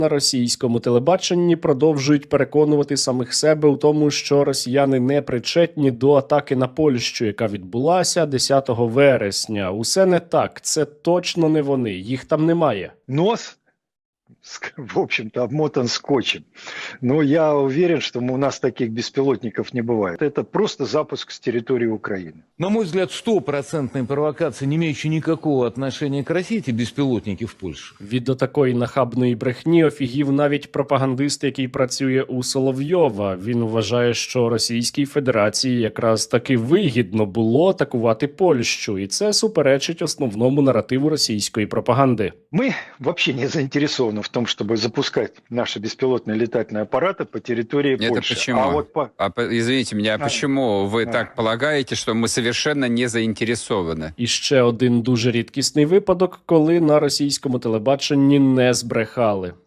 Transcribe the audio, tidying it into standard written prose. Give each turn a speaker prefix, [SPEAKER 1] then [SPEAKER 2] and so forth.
[SPEAKER 1] На російському телебаченні продовжують переконувати самих себе у тому, що росіяни не причетні до атаки на Польщу, яка відбулася 10 вересня. Усе не так, це точно не вони, їх там немає.
[SPEAKER 2] Нос, в общем-то, обмотан скотчем. Но я уверен, что у нас таких беспилотников не бывает. Это просто запуск с территории Украины.
[SPEAKER 3] На мой взгляд, стопроцентная провокация, не имеющая никакого отношения к России, эти беспилотники в Польше.
[SPEAKER 1] Від такої нахабної брехні офігів навіть пропагандист, який працює у Соловйова. Він вважає, що Російській Федерації якраз таки вигідно було атакувати Польщу, і це суперечить основному наративу російської пропаганди.
[SPEAKER 2] Мы вообще не заинтересованы в том, чтобы запускать наши беспилотные летательные аппараты по территории
[SPEAKER 4] Это
[SPEAKER 2] Польши.
[SPEAKER 4] почему? Извините меня, почему вы так полагаете, что мы совершенно не заинтересованы?
[SPEAKER 1] І ще один дуже рідкісний випадок, коли на російському телебаченні не збрехали.